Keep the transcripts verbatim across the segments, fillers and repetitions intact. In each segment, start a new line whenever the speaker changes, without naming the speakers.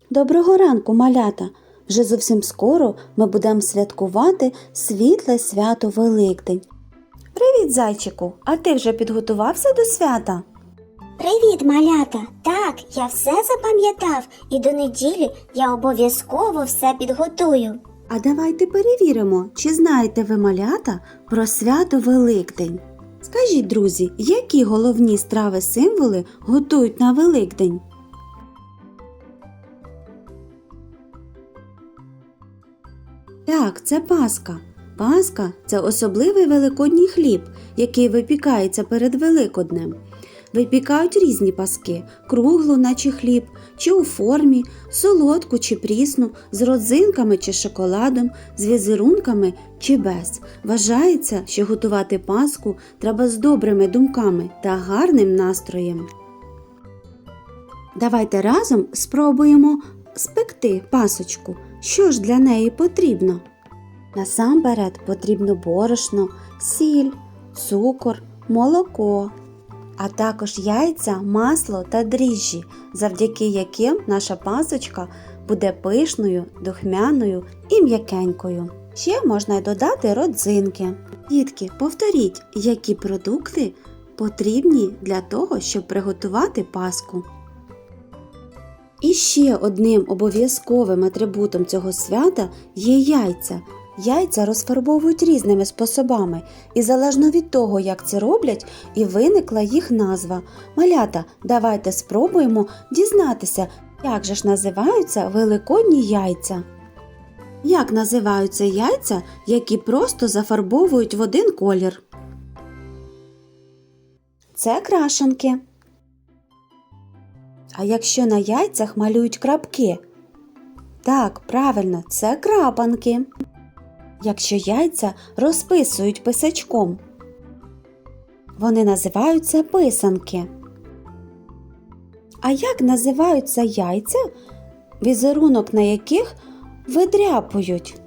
Доброго ранку, малята! Вже зовсім скоро ми будемо святкувати світле свято Великдень. Привіт, зайчику! А ти вже підготувався до свята?
Привіт, малята! Так, я все запам'ятав і до неділі я обов'язково все підготую.
А давайте перевіримо, чи знаєте ви, малята, про свято Великдень. Скажіть, друзі, які головні страви-символи готують на Великдень? Так, це Пасха. Пасха – це особливий великодній хліб, який випікається перед Великоднем. Випікають різні паски – круглу, наче хліб, чи у формі, солодку чи прісну, з родзинками чи шоколадом, з візерунками чи без. Вважається, що готувати паску треба з добрими думками та гарним настроєм. Давайте разом спробуємо спекти пасочку. Що ж для неї потрібно? Насамперед потрібно борошно, сіль, цукор, молоко, а також яйця, масло та дріжджі, завдяки яким наша пасочка буде пишною, духмяною і м'якенькою. Ще можна й додати родзинки. Дітки, повторіть, які продукти потрібні для того, щоб приготувати паску. І ще одним обов'язковим атрибутом цього свята є яйця. Яйця розфарбовують різними способами, і залежно від того, як це роблять, і виникла їх назва. Малята, давайте спробуємо дізнатися, як же ж називаються великодні яйця. Як називаються яйця, які просто зафарбовують в один колір? Це крашанки. А якщо на яйцях малюють крапки? Так, правильно, це крапанки. Якщо яйця розписують писачком, вони називаються писанки. А як називаються яйця, візерунок на яких видряпують?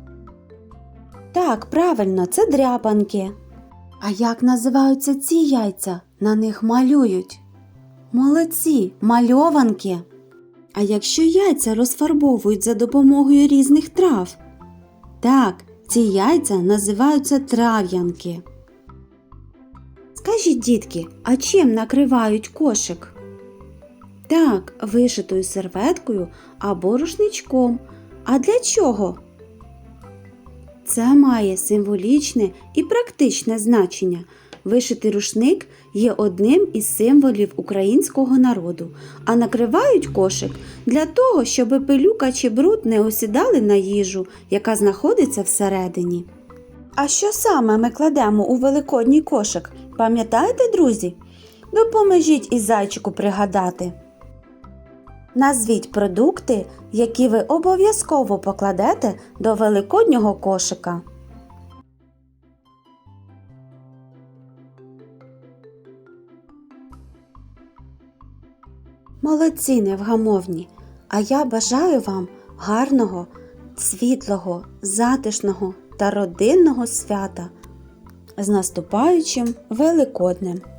Так, правильно, це дряпанки. А як називаються ці яйця, на них малюють? Молодці, мальованки. А якщо яйця розфарбовують за допомогою різних трав? Так, ці яйця називаються трав'янки. Скажіть, дітки, а чим накривають кошик? Так, вишитою серветкою або рушничком. А для чого? Це має символічне і практичне значення. Вишитий рушник є одним із символів українського народу, а накривають кошик для того, щоб пилюка чи бруд не осідали на їжу, яка знаходиться всередині. А що саме ми кладемо у великодній кошик? Пам'ятаєте, друзі? Допоможіть і зайчику пригадати. Назвіть продукти, які ви обов'язково покладете до великоднього кошика. Молодці, невгамовні! А я бажаю вам гарного, світлого, затишного та родинного свята з наступаючим Великоднем!